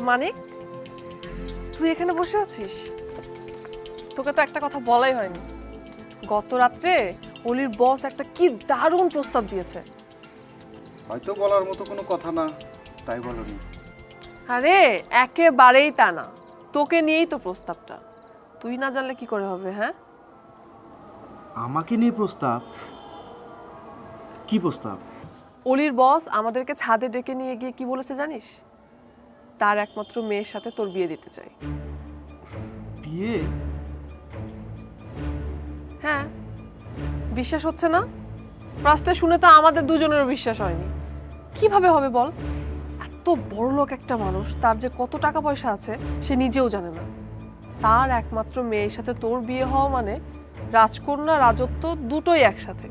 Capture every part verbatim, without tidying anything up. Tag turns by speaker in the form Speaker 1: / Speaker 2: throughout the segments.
Speaker 1: মানিক, তুই এখানে বসে আছিস? তোকে তো একটা কথা বলাই হয়নি। গত রাত্রে অলির বস একটা কি দারুণ প্রস্তাব দিয়েছে।
Speaker 2: হয়তো বলার মতো কোনো কথা না, তাই বলনি।
Speaker 1: আরে একেবারেই তা না, তোকে নিয়েই তো প্রস্তাবটা। তুই না জানলে কি করে হবে? হ্যাঁ,
Speaker 2: আমাকে নিয়ে প্রস্তাব? কি প্রস্তাব?
Speaker 1: অলির বস আমাদেরকে ছাদে ডেকে নিয়ে গিয়ে কি বলেছে জানিস? তার একমাত্র মেয়ের সাথে তোর বিয়ে দিতে চাই।
Speaker 2: বিয়ে?
Speaker 1: হ্যাঁ, বিশ্বাস হচ্ছে না? ফার্স্টে শুনে তো আমাদের দুজনেরও বিশ্বাস হয়নি। কিভাবে হবে বল? এত বড় লোক একটা মানুষ, তার যে কত টাকা পয়সা আছে সে নিজেও জানে না। তার একমাত্র মেয়ের সাথে তোর বিয়ে হওয়া মানে রাজকন্যা রাজত্ব দুটোই একসাথে।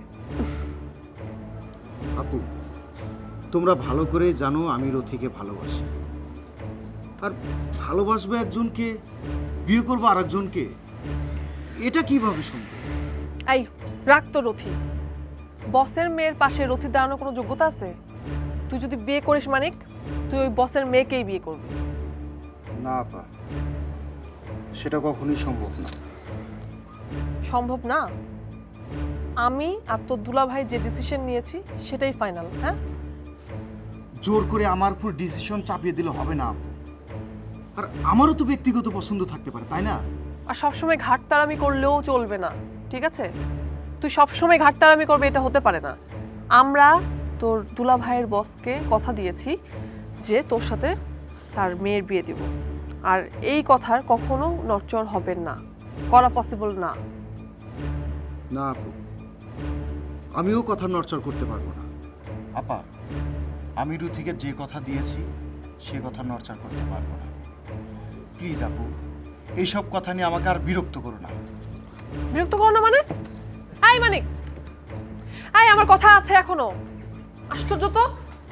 Speaker 2: আপু, তোমরা ভালো করে জানো আমি রথিকে ভালোবাসি। আর ভালোবাসবে একজনকে, বিয়ে করবো আর একজনকে, এটা কিভাবে সম্ভব?
Speaker 1: এই রাখ তো রথি। বসের মেয়ের পাশে রথি দাঁড়ানোর কোনো যোগ্যতা আছে? তুই যদি বিয়ে করিস মানিক, তুই ওই বসের মেয়েকেই বিয়ে করবি।
Speaker 2: না আপা, সেটা কখনোই সম্ভব না।
Speaker 1: সম্ভব না? আমি আর তোর দুলাভাই যে ডিসিশন নিয়েছি সেটাই ফাইনাল। হ্যাঁ,
Speaker 2: জোর করে আমার উপর ডিসিশন চাপিয়ে দিলে হবে না আপু। আর আমারও তো ব্যক্তিগত পছন্দ থাকতে পারে, তাই না?
Speaker 1: আর সবসময় ঘাটতারামি করলেও চলবে না, ঠিক আছে? তুই সবসময় ঘাটতারামি করবে এটা হতে পারে না। আমরা তোর দুলাভাইয়ের বসকে কথা দিয়েছি যে তোর সাথে তার মেয়ের বিয়ে দিব, আর এই কথার কখনো নড়চড় হবে না, করা পসিবল না।
Speaker 2: না আপু, আমিও কথা নড়চড় করতে পারবো না। আপা, আমি রুথিকে যে কথা দিয়েছি সে কথা নড়চড় করতে পারবো না। প্লিজ আপু, এইসব কথা নিয়ে আমাকে আর বিরক্ত করো না।
Speaker 1: বিরক্ত করো না মানে? আই মানিক, আই আমার কথা আছে এখনো। আশ্চর্য তো।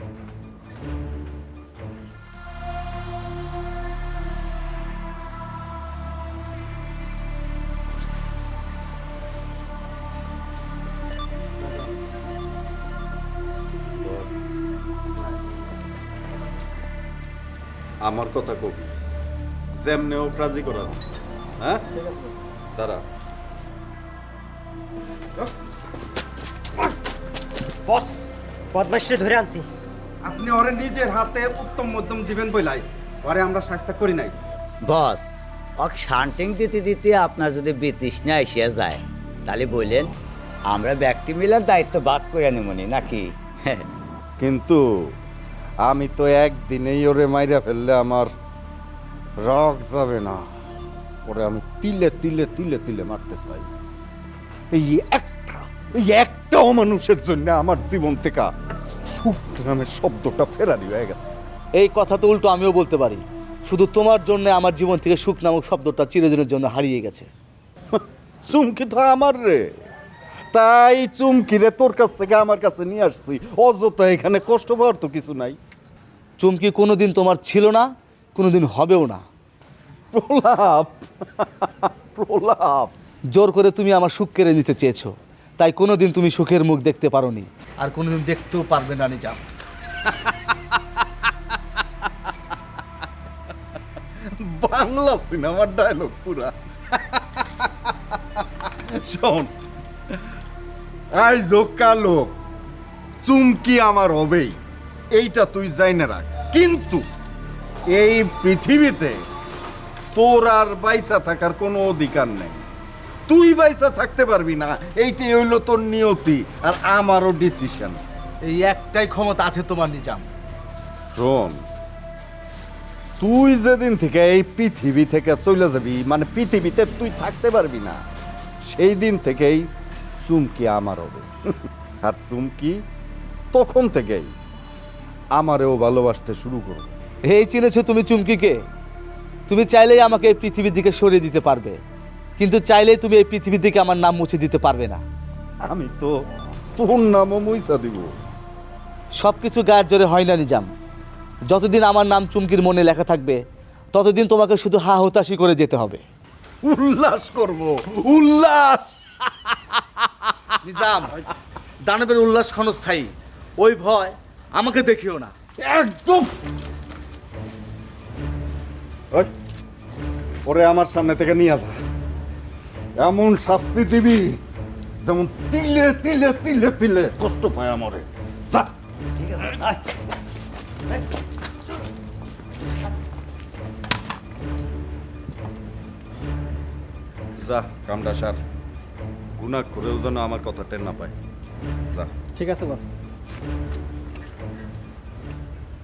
Speaker 3: আমার কথা কবি যেমনে ও রাজি করা। হ্যাঁ, দাঁড়া।
Speaker 4: বস, বদমাইশরে ধরে আনছি।
Speaker 5: আপনি ওরে নিজের হাতে উত্তম মধ্যম দিবেন বইলাই ওরে আমরা শাস্তি করি নাই।
Speaker 6: বস, অক শান্টিং দিতে দিতে আপনার যদি বিতৃষ্ণা এসে যায় তাহলে বললেন আমরা ব্যক্তি মিলে দায়িত্ব ভাগ করে নেমনি নাকি?
Speaker 5: কিন্তু আমি তো একদিনেই ওরে মাইরা ফেললে আমার রাগ যাবে না। ওরে আমি তিলে তিলে তিলে তিলে মারতে চাই। এই একটা এই একটা অমানুষের জন্য আমার জীবন থেকে সুখ নামের শব্দটা ফেরারি হয়ে গেছে।
Speaker 7: এই কথা তো উল্টো আমিও বলতে পারি, শুধু তোমার জন্য আমার জীবন থেকে সুখ নামক শব্দটা চিরদিনের জন্য হারিয়ে গেছে।
Speaker 5: চুমকি তো আমার রে, তাই চুমকি রে তোর কাছ থেকে আমার কাছে নিয়ে আসছি। অযথা এখানে কষ্ট পাওয়ার তো কিছু নাই।
Speaker 7: চুমকি কোনোদিন তোমার ছিল না, কোনোদিন হবেও না।
Speaker 5: প্রলাপ প্রলাপ
Speaker 7: জোর করে তুমি আমার সুখ কেড়ে নিতে চেয়েছো, তাই কোনোদিন তুমি সুখের মুখ দেখতে পারোনি, আর কোনোদিন দেখতেও পারবে না নিজাম।
Speaker 5: বাংলা সিনেমার ডায়লগ পুরা। শোন, আইজ কালো চুমকি আমার হবেই, এইটা তুই জাইনে রাখ। কিন্তু এই পৃথিবীতে তোর আর বাইসা থাকার কোনো অধিকার নেই। তুই বাইসা থাকতে পারবি না, এইটাই হইল তোর নিয়তি আর আমারও ডিসিশন।
Speaker 7: এই একটাই ক্ষমতা আছে তোমার নিজাম।
Speaker 5: শোন, তুই যেদিন থেকে এই পৃথিবী থেকে চলে যাবি, মানে পৃথিবীতে তুই থাকতে পারবি না, সেই দিন থেকেই চুমকি আমার হবে। আর চুমকি তখন থেকেই আমারেও ভালোবাসতে শুরু করবে।
Speaker 7: এই চিনেছো তুমি চুমকিকে? তুমি চাইলেই আমাকে এই পৃথিবীর দিকে সরিয়ে দিতে পারবে, কিন্তু চাইলেই তুমি এই পৃথিবীর দিকে আমার নাম মুছে দিতে পারবে না।
Speaker 5: আমি তো তোর নামও মুইসা দিব।
Speaker 7: সব কিছু গায়ের জোরে হয় না নিজাম। যতদিন আমার নাম চুমকির মনে লেখা থাকবে ততদিন তোমাকে শুধু হা হতাশি করে যেতে হবে।
Speaker 5: উল্লাস করব, উল্লাস।
Speaker 7: নিজাম, দানবের উল্লাস ক্ষণস্থায়ী, ওই ভয় আমাকে দেখিও না।
Speaker 5: একদম ওই, ওরে আমার সামনে থেকে নিয়ে যা। এমন শাস্তি দিবি যেমন তিলে তিলে তিলে তিলে কষ্ট পায় আমারে। যা।
Speaker 6: ঠিক আছে আয়।
Speaker 5: যা, কামটা সার। গুনাহ করেও যেন আমার কথা টের না পায়। যা।
Speaker 4: ঠিক আছে বস।